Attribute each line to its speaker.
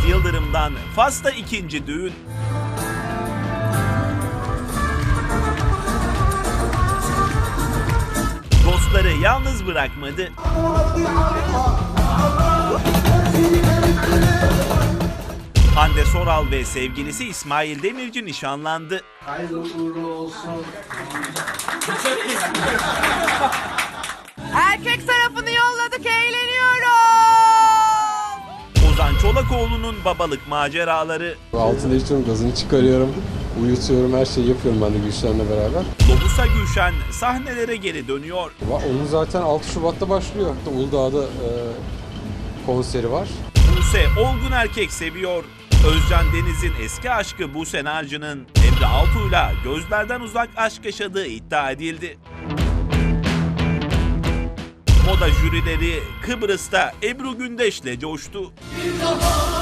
Speaker 1: Yıldırım'dan Fas'ta ikinci düğün. Dostları yalnız bırakmadı. Hande Soral ve sevgilisi İsmail Demirci nişanlandı.
Speaker 2: Hayırlı uğurlu olsun.
Speaker 3: Erkek tarafını yolladık, eğleniyoruz.
Speaker 1: Ozan Çolakoğlu'nun babalık maceraları.
Speaker 4: Altına içiyorum, gazını çıkarıyorum, uyutuyorum, her şeyi yapıyorum ben de Gülşen'le beraber.
Speaker 1: Lobusa Gülşen sahnelere geri dönüyor.
Speaker 4: Onun zaten 6 Şubat'ta başlıyor. Uludağ'da konseri var.
Speaker 1: Buse olgun erkek seviyor. Özcan Deniz'in eski aşkı Buse Narcı'nın Emre Altuğ'yla gözlerden uzak aşk yaşadığı iddia edildi. Moda jürileri Kıbrıs'ta Ebru Gündeş'le coştu.
Speaker 2: Bir daha